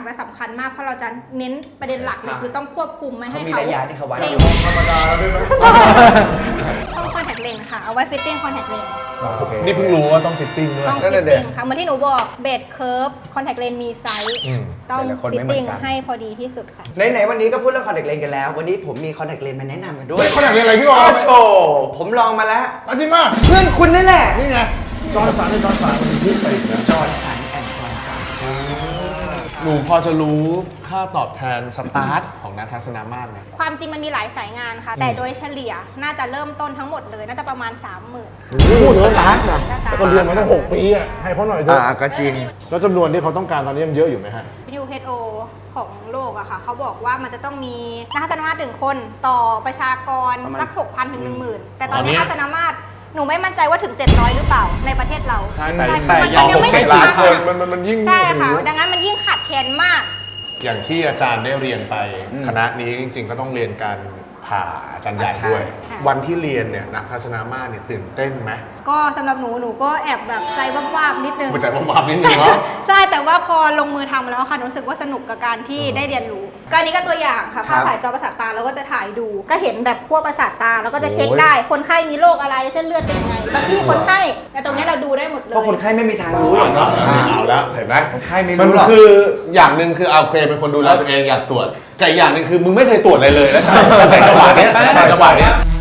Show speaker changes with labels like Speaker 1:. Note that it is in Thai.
Speaker 1: จะสำคัญมากเพราะเราจะเน้นประเด็นหลักเลยคือต้องควบคุมไม่ให้
Speaker 2: มี
Speaker 1: เขา
Speaker 2: ระยะที่เขาไว้
Speaker 3: ธรรมดาแล้วด้วยนะ
Speaker 1: ต้องคอนแทคเลนส์ค่ะเอาไว้ฟิตติ้งคอนแทคเลนส์
Speaker 3: นี่เพิ่งรู้ว่าต้องฟิตติ้งด้วย
Speaker 1: ต้องฟิตติ้งค่ะเหมือนที่หนูบอกเบสเคิร์ฟคอนแทคเลนส์มีไซส์ต้องฟิตติ้งให้พอดีที่สุดค่ะ
Speaker 2: ไหนวันนี้ก็พูดเรื่องคอนแทคเลนส์กันแล้ววันนี้ผมมีคอนแทคเลนส์มาแนะนำกันด้วย
Speaker 3: คอนแทคเลนส์อะไรพี่บอล
Speaker 2: โชผมลองมาแล้ว
Speaker 3: จริงมาก
Speaker 2: เพื่อนคุณนี่แหละ
Speaker 3: นี่ไงจอร์นสันมันพูดไปอีกนะ
Speaker 2: จอร์นสันแอนด์จอร์นสัน
Speaker 4: หนูพอจะรู้ค่าตอบแทนสตาร์ทของนักทัศนมาตรไหม
Speaker 1: ความจริงมันมีหลายสายงานค่ะ แต่โดยเฉลี่ยน่าจะเริ่มต้นทั้งหมดเลยน่าจะประมาณ 30,000
Speaker 3: พูดสตาร์ทนะ
Speaker 1: สตาร์ท
Speaker 3: ก็เรียนมาตั้ง6 ปีอ่ะให้เขาหน่อยเถอะ
Speaker 2: ก็จริง
Speaker 3: แล้วจำนวนที่เขาต้องการตอนนี้ยังเยอะอยู่ไหมฮะ
Speaker 1: WHO ของโลกอะค่ะเขาบอกว่ามันจะต้องมีนักทัศนมาตร1คนต่อประชากร
Speaker 2: ประมาณ
Speaker 1: สัก 6,000 ถึง 10,000 แต่ตอนนี้ทัศนมาตรหนูไม่มั่นใจว่าถึง 700 หรือเปล่าในประเทศเรา
Speaker 4: ใช่
Speaker 1: ใช่
Speaker 4: แต่
Speaker 1: มัน
Speaker 4: อย่าง
Speaker 1: ยังไม่ถึง
Speaker 3: ล้าน
Speaker 1: ค่ะ
Speaker 3: คนมันยิ่ง
Speaker 1: ใช่ค่ะ ดังนั้นมันยิ่งขาดแคลนมาก
Speaker 4: อย่างที่อาจารย์ได้เรียนไปคณะนี้จริงๆ ก็ต้องเรียนการผ่าอาจารย์ใหญ่ด้วย
Speaker 1: ค่ะ
Speaker 4: วันที่เรียนเนี่ยนักทัศนมาตรเนี่ยตื่นเต้นไหม
Speaker 1: ก็สำหรับหนูก็แอบแบบใจวาบๆนิดนึง
Speaker 4: หัวใจวาบๆนิดนึงเนาะ
Speaker 1: ใช่แต่ว่าพอลงมือทำแล้วค่ะรู้สึกว่าสนุกกับการที่ได้เรียนรู้ก็อันนี้ก็ตัวอย่างค่ะ
Speaker 2: ครั
Speaker 1: ภา
Speaker 2: บ
Speaker 1: พถ่ายจอประสาทตาเราก็จะถ่ายดู ก็เห็นแบบพวกประสาทตาแล้วก็จะเช็คได้คนไข้มีโรคอะไรเส้นเลือดเป็นยังไงบางที่คนไข้แต่ตรงนี้เราดูได้หมดเล
Speaker 2: เพราะคน
Speaker 1: ย
Speaker 2: ไข้ไม่มีทางรู้หรอกเนาะ
Speaker 4: เอาแล้วเห็นไหม
Speaker 2: คนไข้ไม่
Speaker 4: มัน
Speaker 2: รู้หรอก
Speaker 4: คืออย่างหนึ่งคือโอเคเป็นคนดูแลตัวเองอยากตรวจแต่อย่างหนึ่งคือมึงไม่เคยตรวจอะไรเลยแล้วใช่จังหวะเนี้ย